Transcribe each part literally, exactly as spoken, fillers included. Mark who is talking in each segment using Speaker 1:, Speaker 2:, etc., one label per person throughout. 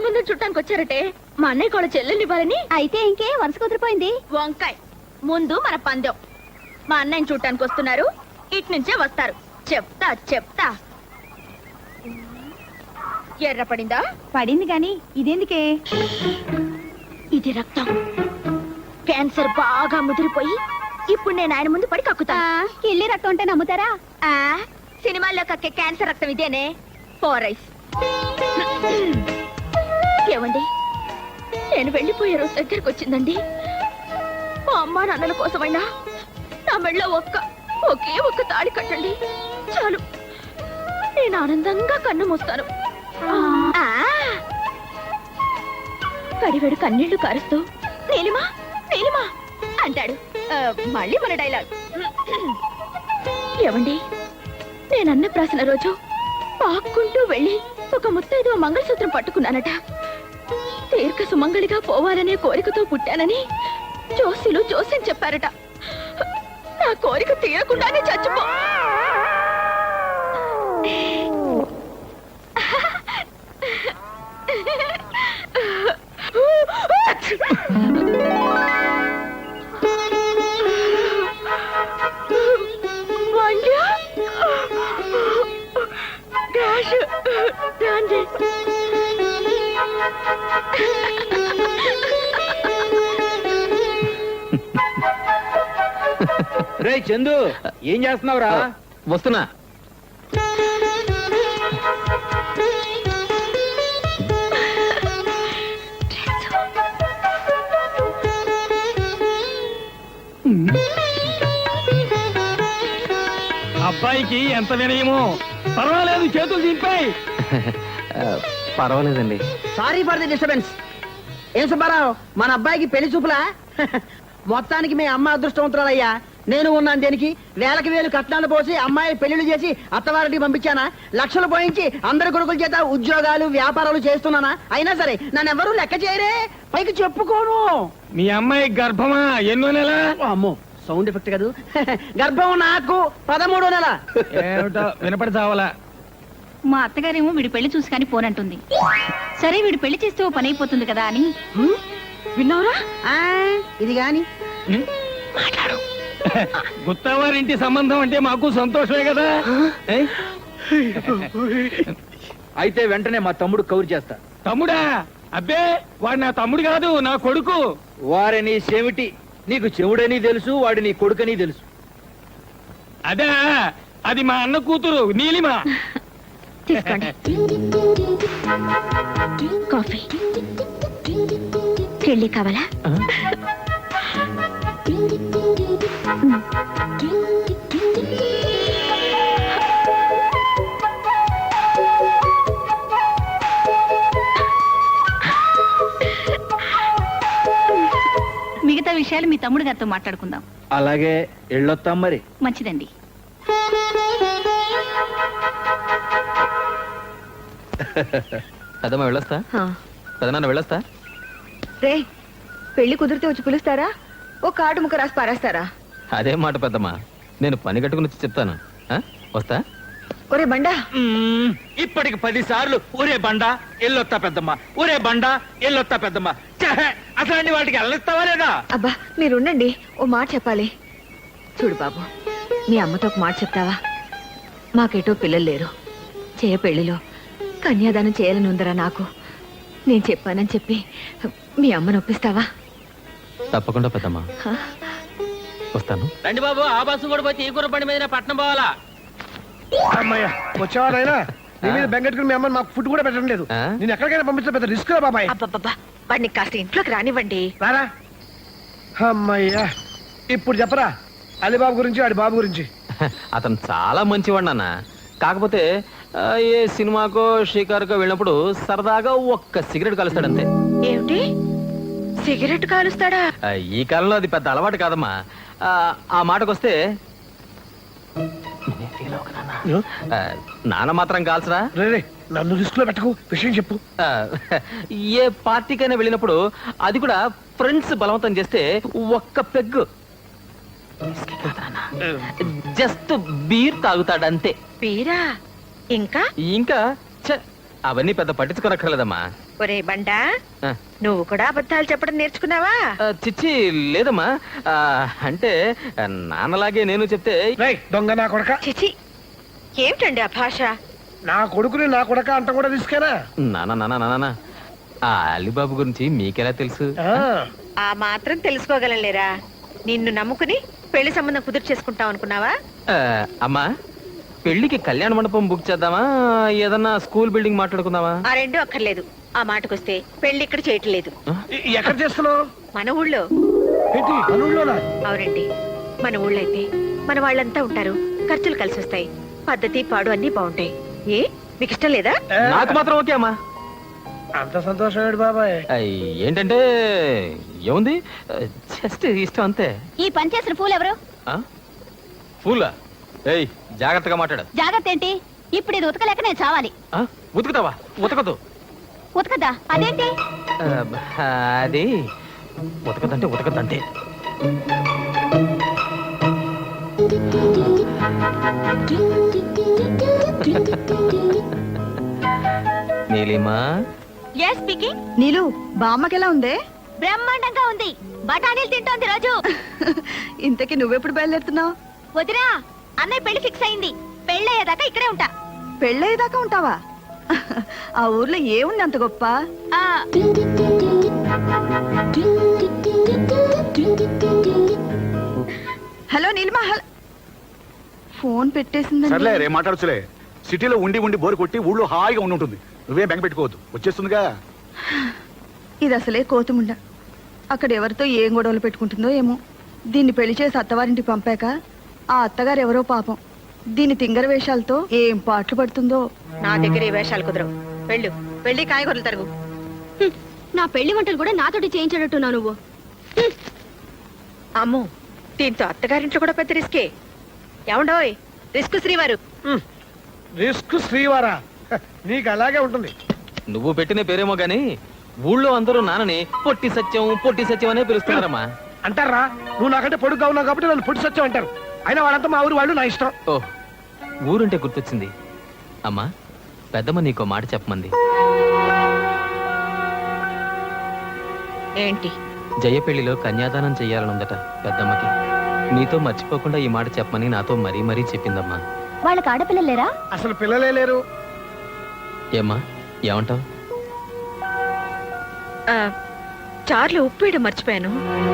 Speaker 1: సంబంధం చుట్టానికి వచ్చారటే మా అన్నయ్య కూడా చెల్లెల్ని ఇవ్వాలని.
Speaker 2: అయితే ఇంకే వరుస కుదిరిపోయింది.
Speaker 1: వంకాయ్ ముందు మన పందెం. మా అన్నయ్యని చూడటానికి వస్తున్నారు, ఇటు నుంచే వస్తారు. చెప్తా చెప్తా. ఎర్ర పడిందా?
Speaker 2: పడింది గాని ఇదేందుకే?
Speaker 1: ఇది రక్తం. క్యాన్సర్ బాగా ముదిరిపోయి ఇప్పుడు నేను ఆయన ముందు పడి కక్కుతా.
Speaker 2: కిళ్ళి రక్తం అంటే నమ్ముతారా?
Speaker 1: ఆ సినిమాల్లో కక్కే క్యాన్సర్ రక్తం ఇదేనే. ఫోరైస్. ఏమండి, నేను వెళ్ళిపోయే రోజు దగ్గరకు వచ్చిందండి. మా అమ్మా నాన్నల కోసమైనా నా మెళ్ళో ఒక్క ఒకే ఒక్క తాళి కట్టండి చాలు. నేను ఆనందంగా కన్ను మూస్తాను. కడివెడు కన్నీళ్లు కారుస్తూ నీలిమా నీలిమా అంటాడు. మళ్ళీ మన డైలాగ్. ఏమండి, నేను అన్నప్రాసన రోజు పాక్కుంటూ వెళ్ళి ఒక ముత్తైదు మంగళసూత్రం పట్టుకున్నానట. దీర్ఘ సుమంగళిగా పోవాలనే కోరికతో పుట్టానని జోసిలు జోస్యం చెప్పారట. నా కోరిక తీరకుండానే చచ్చిపో.
Speaker 3: రే చందు, ఏం చేస్తున్నావురా?
Speaker 4: వస్తున్నా.
Speaker 3: అబ్బాయికి ఎంత వినయమో. పర్వాలేదు, చేతులు దింపాయి.
Speaker 4: పర్వాలేదండి.
Speaker 5: Sorry for the disturbance. ఏం సుబ్బారావు, మన అబ్బాయికి పెళ్లి చూపులా? మొత్తానికి మీ అమ్మ అదృష్టవంతురాలయ్యా. నేను ఉన్నాను దేనికి? వేలకి వేలు కట్నాలు పోసి అమ్మాయి పెళ్లిళ్ళు చేసి అత్తవారికి పంపించానా? లక్షలు పోయించి అందరి కొడుకుల చేత ఉద్యోగాలు వ్యాపారాలు చేస్తున్నానా? అయినా సరే నన్ను ఎవరూ లెక్క చేయరే, పైకి చెప్పుకోను.
Speaker 3: మీ అమ్మాయి గర్భమా? ఎన్నో నెల?
Speaker 5: అమ్మో, సౌండ్ ఎఫెక్ట్ కాదు. గర్భం నాకు పదమూడో నెల.
Speaker 3: ఏమిటో వినపడి చావాలా.
Speaker 2: మా అత్తగారేమో వీడి పెళ్లి చూసి కానీ పోనంటుంది. సరే వీడు పెళ్లి చేస్తే ఓ పని అయిపోతుంది కదా అని.
Speaker 1: విన్నావురా?
Speaker 5: ఇది గాని
Speaker 1: మాట్లాడు.
Speaker 3: గుత్తవారింటి సంబంధం అంటే మాకు సంతోషమే కదా.
Speaker 4: అయితే వెంటనే మా తమ్ముడు కౌరు చేస్తా.
Speaker 3: తమ్ముడా? అబ్బే, వాడు నా తమ్ముడు కాదు, నా కొడుకు.
Speaker 4: వారని చెవిటి, నీకు చెవుడని తెలుసు, వాడి నీ కొడుకని తెలుసు.
Speaker 3: అదే, అది మా అన్న కూతురు నీలిమా.
Speaker 1: తీసుకోండి కాఫీ. పెళ్లి కావాలా?
Speaker 2: మిగతా విషయాలు మీ తమ్ముడు గారితో మాట్లాడుకుందాం.
Speaker 4: అలాగే, ఎళ్ళొత్తాం మరి.
Speaker 2: మంచిదండి.
Speaker 4: పెద్దమ్మ వెళ్ళొస్తా. పెదనాన్న వెళ్ళొస్తా.
Speaker 1: రే, పెళ్లి కుదిరితే వచ్చి పిలుస్తారా? ఓ కార్డు ముక్క రాసి పారేస్తారా?
Speaker 4: అదే మాట పెద్దమ్మ, నేను పని కట్టుకుని వచ్చి చెప్తాను. వస్తా.
Speaker 1: ఒరే బండా,
Speaker 4: ఇప్పటికి పది సార్లు ఊరే బండా ఎల్లొత్తా పెద్దమ్మ, ఊరే బండా ఎల్లొత్తా పెద్దమ్మ. అసలు వాటికి వెళ్ళొస్తావా లేదా?
Speaker 1: అబ్బా మీరుండండి, ఓ మాట చెప్పాలి. చూడు బాబు, మీ అమ్మతో ఒక మాట చెప్తావా? మాకేటో పిల్లలు లేరు. చేయ పెళ్లిలో కన్యాదానం చేయాలని ఉందరా నాకు. నేను చెప్పానని చెప్పి మీ అమ్మను ఒప్పిస్తావా?
Speaker 4: తప్పకుండా పెద్దమ్మ, వస్తాను.
Speaker 6: రండి బాబు, ఆ బస్సు కూడా పోతే ఈ కూర బండి మీద పట్నం పోవాలా?
Speaker 7: అమ్మయ్య, వచ్చేవారైనా నీ మీద బెంగట్టుకుని మీ అమ్మని మాకు ఫుడ్ కూడా పెట్టడం లేదు. నేను ఎక్కడికైనా పంపించడం పెద్ద రిస్క్ రా బాబాయ్.
Speaker 1: అబ్బబ్బబ్బా, వాడిని కాస్త ఇంట్లోకి రానివ్వండి.
Speaker 7: రారా. అమ్మయ్యా, ఇప్పుడు చెప్పరా అలీబాబు గురించి, వాడి బాబు గురించి.
Speaker 4: అతను చాలా మంచివాడు నాన్న. కాకపోతే ఏ సినిమాకో షికారుకో వెళ్ళినప్పుడు సరదాగా ఒక్క సిగరెట్ కలుస్తాడంతే.
Speaker 1: ఏమిటి, సిగరెట్ కాలుస్తాడా?
Speaker 4: ఈ కాలంలో అది పెద్ద అలవాటు కాదమ్మా. ఆ మాటకొస్తే నాన్న మాత్రం కాల్సరా.
Speaker 7: నన్ను రిస్క్ లో పెట్టకు, విషయం చెప్పు.
Speaker 4: ఏ పార్టీకైనా వెళ్ళినప్పుడు, అది కూడా ఫ్రెండ్స్ బలవంతం చేస్తే ఒక్క పెగ్గు జస్ట్ బీర్ తాగుతాడంతే.
Speaker 1: బీరా? ఇంకా
Speaker 4: ఇంకా అవన్నీ పెద్ద పట్టించుకోనక్కర్లేదమ్మా.
Speaker 1: ఒరే బండా
Speaker 4: ఆ,
Speaker 1: నువ్వు కూడా అబద్ధాలు చెప్పడం నేర్చుకున్నావా?
Speaker 4: ఆ, చిచ్చి లేదమ్మా. ఆ, అంటే ఆ, నాన్నలాగే నేను చెప్తే
Speaker 7: రేయ్ దొంగ నా కొడక,
Speaker 1: చిచి ఏమిటండి ఆ భాష?
Speaker 7: నా కొడుకుని నా కొడక అంట కూడా తీసుకేనా?
Speaker 4: నాన్న నాన్న నాన్న ఆ అలీబాబు గురించి మీకెలా తెలుసు?
Speaker 7: ఆ,
Speaker 1: ఆ మాత్రం తెలుసుకోగలలేరా? నిన్ను నమ్ముకుని పెళ్లి సంబంధం కుదురు చేసుకుంటాం అనుకున్నావా?
Speaker 4: ఆ, అమ్మా పెళ్లికి కళ్యాణ మండపం బుక్ చేద్దామా, ఏదన్నా స్కూల్ బిల్డింగ్ మాట్లాడుకుందామా?
Speaker 1: ఆ రెండు అక్కర్లేదు. ఆ మాటకొస్తే పెళ్లి ఇక్కడ చేయట్లేదు,
Speaker 7: ఎ- ఎక్కడ చేస్తున్నావు?
Speaker 1: మన ఊళ్ళో.
Speaker 7: ఏంటి పనుల్లోనా?
Speaker 1: అవునండి, మన ఊళ్ళో అయితే మన వాళ్ళంతా ఉంటారు, ఖర్చులు కలిసి వస్తాయి, పద్ధతి పాడు అన్ని బాగుంటాయి. ఏ మీకు ఇష్టం లేదా?
Speaker 7: ఏ,
Speaker 4: నాకు మాత్రం ఓకే అమ్మా.
Speaker 7: అంత సంతోషమేడు బాబాయ్.
Speaker 4: ఆ, ఏంటంటే ఏముంది, జస్ట్ ఇష్టం అంతే.
Speaker 2: ఈ పని చేసిన పూలు ఎవరు?
Speaker 4: ఆ? ఫూలా? ఏయ్ జాగ్రత్తగా మాట్లాడు.
Speaker 2: జాగ్రత్త ఏంటి? ఇప్పుడు ఇది ఉతకలేక నేను చావాలి.
Speaker 4: ఆ? ఉతుకుతావా? ఉతకదు.
Speaker 2: ఉతకదా? అదేంటి?
Speaker 4: ఆ, అది ఉతకదంటే ఉతకదంతే. Neelima,
Speaker 2: yes speaking.
Speaker 1: నీలు బామ్మకెలా ఉందే?
Speaker 2: బ్రహ్మాండంగా ఉంది. బఠానీలు తింటోంది రోజు.
Speaker 1: ఇంతకీ నువ్వెప్పుడు బయలుదేరుతున్నావు?
Speaker 2: వదినా, అన్నయ్య పెళ్లి ఫిక్స్ అయింది. పెళ్ళయ్యేదాకా ఇక్కడే ఉంటా.
Speaker 1: పెళ్ళయ్యేదాకా ఉంటావా? ఆ ఊర్లో ఏముంది అంత గొప్ప?
Speaker 2: ఆ,
Speaker 1: హలో నీలిమా, హలో. ఫోన్ పెట్టేసిందండి.
Speaker 8: సర్లే రే మాట్లాడచ్చులే. సిటీలో ఉండి ఉండి బోరు కొట్టి ఊళ్ళో హాయిగా ఉండి ఉంటుంది. నువ్వేం బెంగ పెట్టుకోవద్దు, వచ్చేస్తుందిగా.
Speaker 1: ఇది అసలే కోతుముండ. అక్కడ ఎవరితో ఏం గొడవలు పెట్టుకుంటుందో ఏమో. దీన్ని పెళ్లి చేసి అత్తవారింటికి పంపాక ఆ అత్తగారు ఎవరో పాపం దీని తింగర వేషాలతో ఏం పాటలు పడుతుందో. నా దగ్గర ఏ వేషాలు కుదరవు. వెళ్ళు, వెళ్ళి కాయగూరలు తరుగు.
Speaker 2: నా పెళ్లి వంటలు కూడా నాతోటి చేయించాడట్టున్నావు నువ్వు.
Speaker 1: అమ్మో, దీంతో అత్తగారింట్లో కూడా పెద్ద రిస్కే. ఏమండోయ్, రిస్క్ శ్రీవారు.
Speaker 7: రిస్క్ శ్రీవారా? హ, నీకు అలాగే ఉంటుంది.
Speaker 4: నువ్వు పెట్టిన పేరేమో గాని ఊళ్ళో అందరూ నాన్నని పొట్టి సత్యం పొట్టి సత్యం అనే పిలుస్తున్నారమ్మా.
Speaker 7: అంటారా? నువ్వు నాకంటే పొడుగ్గా ఉన్నావు కాబట్టి నన్ను పొడి సత్యం అంటారు. అయినా వాళ్ళంతా మా ఊరు వాళ్ళు, నా ఇష్టం.
Speaker 4: ఓ ఊరుంటే గుర్తొచ్చింది. అమ్మా పెద్దమ్మ నీకో మాట చెప్పమంది.
Speaker 1: ఏంటి?
Speaker 4: జయ పెళ్లిలో కన్యాదానం చెయ్యాలనుందట పెద్దమ్మకి. నీతో మర్చిపోకుండా ఈ మాట చెప్పమని నాతో మరీ మరీ చెప్పిందమ్మా.
Speaker 2: వాళ్ళకి ఆడపిల్లలు లేరా?
Speaker 7: అసలు పిల్లలే లేరు.
Speaker 4: ఏమ్మా ఏమంటావు?
Speaker 1: ఆ, చార్లు ఉప్పు వేయడం మర్చిపోయాను.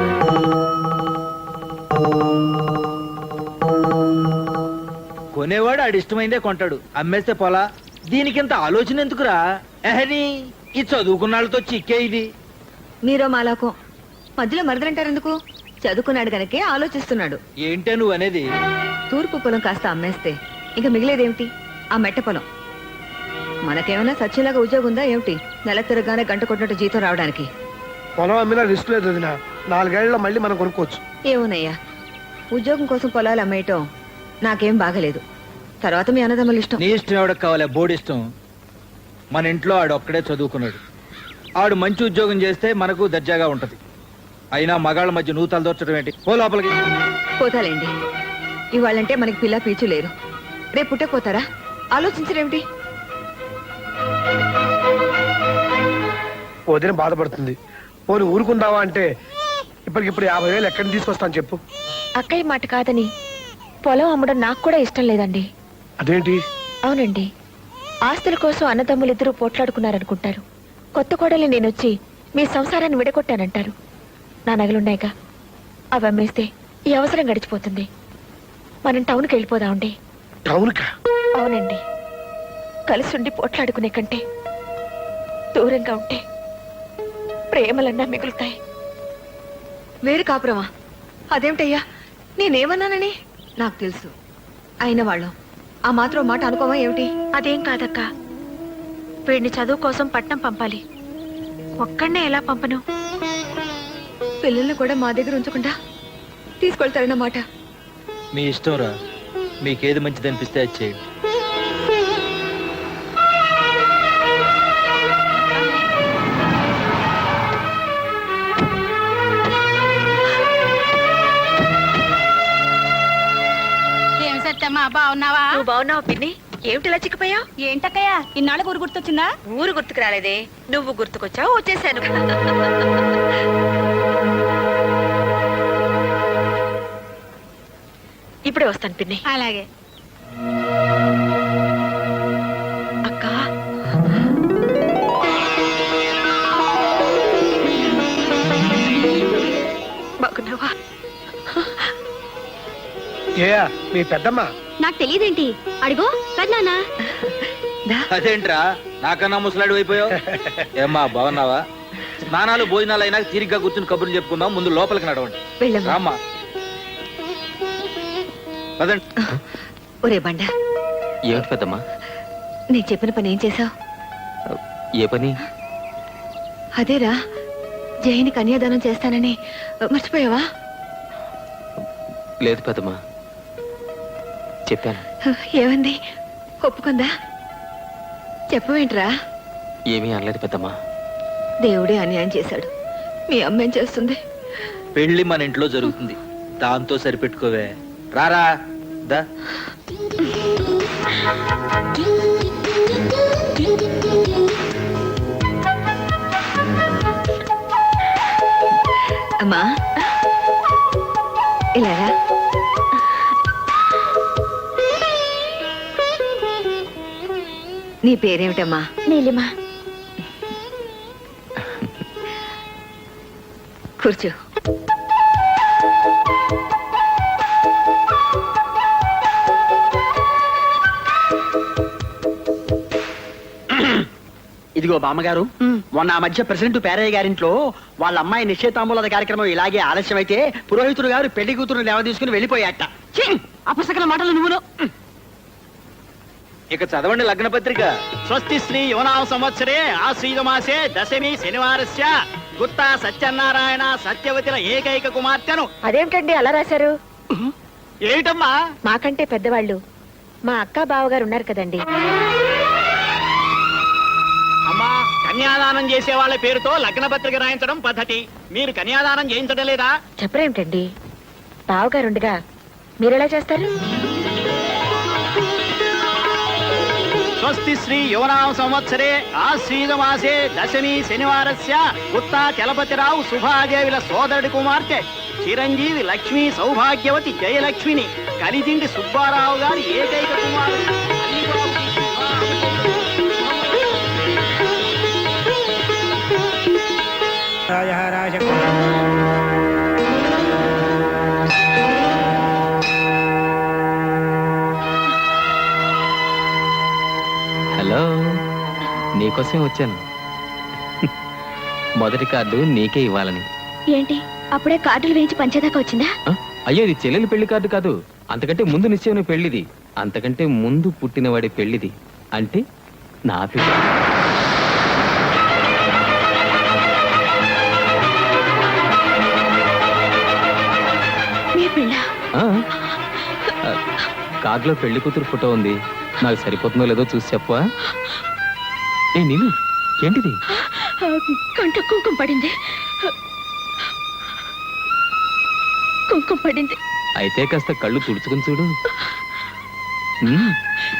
Speaker 9: కొనేవాడు ఆడి ఇష్టమైందే కొంటాడు, అమ్మేస్తే పోలా. దీనికింత ఆలోచన ఎందుకురా? ఎహని ఈ చదువుకున్నాళ్ళతో చిక్కే ఇది.
Speaker 1: మీరో మాలాకో మధ్యలో మరదలంటారు ఎందుకు? చదువుకున్నాడు గనకే ఆలోచిస్తున్నాడు.
Speaker 9: ఏంటే నువ్వు అనేది?
Speaker 1: తూర్పు పొలం కాస్త అమ్మేస్తే ఇంకా మిగిలేదేమిటి? ఆ మెట్ట పొలం. మనకేమైనా సత్యంలాగా ఉద్యోగం ఉందా ఏమిటి? నెల తిరగానే గంట కొట్టినట్టు జీతం రావడానికి.
Speaker 7: పొలం అమ్మినా రిస్క్ లేదు వదినా. నాలుగేళ్లలో మళ్ళీ మనం కొనుక్కోవచ్చు.
Speaker 1: ఏమోనయ్యా, ఉద్యోగం కోసం పొలాలు అమ్మేయటం నాకేం బాగలేదు. తర్వాత మీ అన్నదమ్ములు ఇష్టం.
Speaker 9: నీ ఇష్టం ఎవడకు కావాలి? బోర్డు ఇష్టం. మన ఇంట్లో ఆడు ఒక్కడే చదువుకున్నాడు. ఆడు మంచి ఉద్యోగం చేస్తే మనకు దర్జాగా ఉంటది. అయినా మగాళ్ళ మధ్య నువ్వు తలదొచ్చడం ఏంటి? పో లోపలికి.
Speaker 1: పోతాలేండి, ఇవాళంటే మనకి పిల్ల పీచు లేరు. రేపు పుట్టకపోతారా? ఆలోచించరేమిటి?
Speaker 7: వదిన బాధపడుతుంది. పోనీ ఊరుకుందావా అంటే ఇప్పటికిప్పుడు యాభై వేలు ఎక్కడిని తీసుకొస్తాను చెప్పు.
Speaker 1: అక్కయ్య మాట కాదని పొలం అమ్మడం నాకు కూడా ఇష్టం లేదండి.
Speaker 7: అదేంటి?
Speaker 1: అవునండి, ఆస్తుల కోసం అన్నదమ్ములిద్దరూ పోట్లాడుకున్నారనుకుంటారు. కొత్త కోడలి నేనొచ్చి మీ సంసారాన్ని విడగొట్టానంటారు. నా నగలున్నాయిగా, అవి అమ్మేస్తే ఈ అవసరం గడిచిపోతుంది. మనం టౌన్కి వెళ్ళిపోదామండి.
Speaker 7: టౌన్కా?
Speaker 1: అవునండి, కలిసి ఉండి పోట్లాడుకునే కంటే దూరంగా ఉంటే ప్రేమలన్నా మిగులుతాయి. వేరు కాపురమా? అదేమిటయ్యా, నేనేమన్నానని? నాకు తెలుసు, అయిన వాళ్ళం ఆ మాత్రం మాట అనుకోవా ఏమిటి? అదేం కాదక్క, వీడిని చదువు కోసం పట్నం పంపాలి. ఒక్కడనే ఎలా పంపను? పిల్లల్ని కూడా మా దగ్గర ఉంచకుండా తీసుకెళ్తారన్నమాట.
Speaker 9: మీ ఇష్టం రా, మీకేది మంచిది అనిపిస్తే అది చేయండి.
Speaker 2: ఏం సత్యమ్మా, బాగున్నావా?
Speaker 1: నువ్వు బాగున్నావు పిన్ని? ఏమిటిలా చిక్కిపోయావు?
Speaker 2: ఏంటక్కయ్యా ఇన్నాళ్ళ ఊరు గుర్తొచ్చిందా?
Speaker 1: ఊరు గుర్తుకు రాలేదే, నువ్వు గుర్తుకొచ్చావు, వచ్చేసాను. ఇప్పుడే వస్తాను పిన్ని.
Speaker 2: అలాగే.
Speaker 1: అక్క, బాగున్నావా?
Speaker 7: ఏ మీ పెద్దమ్మ
Speaker 2: నాకు తెలియదేంటి? అడిగో పెద్దనాన్న.
Speaker 9: అదేంట్రా నాకన్నా ముసలాడు అయిపోయావు? ఏమ్మా బాగున్నావా? స్నానాలు భోజనాలు అయినా తీరిగ్గా కూర్చుని కబుర్లు చెప్పుకుందాం. ముందు లోపలికి నడవండి.
Speaker 1: వెళ్ళమ్మా.
Speaker 9: రామ్మా పదండి.
Speaker 1: ఒరే బండ,
Speaker 4: ఏమిటి పెద్దమ్మా?
Speaker 1: నేను చెప్పిన పని ఏం చేసావు?
Speaker 4: ఏ పని?
Speaker 1: అదేరా, జైని కన్యాదానం చేస్తానని మర్చిపోయావా?
Speaker 4: లేదు పెద్దమ్మా, చెప్పాను.
Speaker 1: ఏమంది? ఒప్పుకుందా? చెప్పవేంట్రా?
Speaker 4: ఏమీ అనలేదు పెద్దమ్మా.
Speaker 1: దేవుడే అన్యాయం చేశాడు. మీ అమ్మ ఏం చేస్తుంది?
Speaker 9: పెళ్లి మన ఇంట్లో జరుగుతుంది, దాంతో సరిపెట్టుకోవే. రారా దా.
Speaker 1: అమ్మా, ఇలారా. నీ పేరేమిటమ్మా?
Speaker 2: నీలిమా.
Speaker 1: కూర్చో.
Speaker 5: ఇదిగో బామ్మగారు, మొన్న ఆ మధ్య ప్రెసిడెంట్ పేరయ్య గారింట్లో వాళ్ళ అమ్మాయి నిశ్చయితాంబూలద కార్యక్రమం ఇలాగే ఆలస్యం అయితే పురోహితుడు గారు పెళ్లి కూతురు లేవ తీసుకుని వెళ్ళిపోయాట. అపసకల మాటలు నువ్వును.
Speaker 9: ఇక చదవండి లగ్న పత్రిక.
Speaker 6: స్వస్తి శ్రీ యువనామ సంవత్సరే ఆశ్రీత మాసే దశమి శనివారస్య గుత్తా సత్యనారాయణ సత్యవతిల ఏకైక కుమార్తెను.
Speaker 1: అదేమిటండి అలా రాశారు?
Speaker 6: ఏమిటమ్మా?
Speaker 1: మాకంటే పెద్దవాళ్ళు మా అక్క బావగారు ఉన్నారు కదండి.
Speaker 6: అమ్మా, కన్యాదానం చేసే వాళ్ళ పేరుతో లగ్న పత్రిక రాయించడం పద్ధతి. మీరు కన్యాదానం చేయించడం లేదా?
Speaker 1: చెప్పరేమిటండి, బావగారుండగా మీరెలా చేస్తారు?
Speaker 6: స్వస్తి శ్రీ యువనామ సంవత్సరే ఆశ్రీత మాసే దశమి శనివారస్య గుత్తా చలపతిరావు సుభాదేవిల సోదరుడి కుమార్తె చిరంజీవి లక్ష్మీ సౌభాగ్యవతి జయలక్ష్మిని కలిదిండి సుబ్బారావు గారి ఏకైక కుమారుడు అలీబాబుకి
Speaker 4: హలో, నీకోసమే వచ్చాను. మొదటి కార్డు నీకే ఇవ్వాలని.
Speaker 2: ఏంటి అప్పుడే కార్డులు వేయించి పంచేదాకా వచ్చిందా?
Speaker 4: ఆ? అయ్యో, ఇది చెల్లెలి పెళ్లి కార్డు కాదు. అంతకంటే ముందు నిశ్చయం పెళ్లిది. అంతకంటే ముందు పుట్టినవాడి పెళ్లిది. అంటే నా పెళ్లి.
Speaker 2: మీ పిల్ల
Speaker 4: ఆ? ఆ, కార్డులో పెళ్లి కూతురు ఫోటో ఉంది. నాకు సరిపోతుందో లేదో చూసి చెప్పవా? ఏ నీళ్ళు, ఏంటిది?
Speaker 2: కంట కుంకుమ పడింది. కుంకుమ పడింది.
Speaker 4: అయితే కాస్త కళ్ళు తుడుచుకుని చూడు. ఉమ్,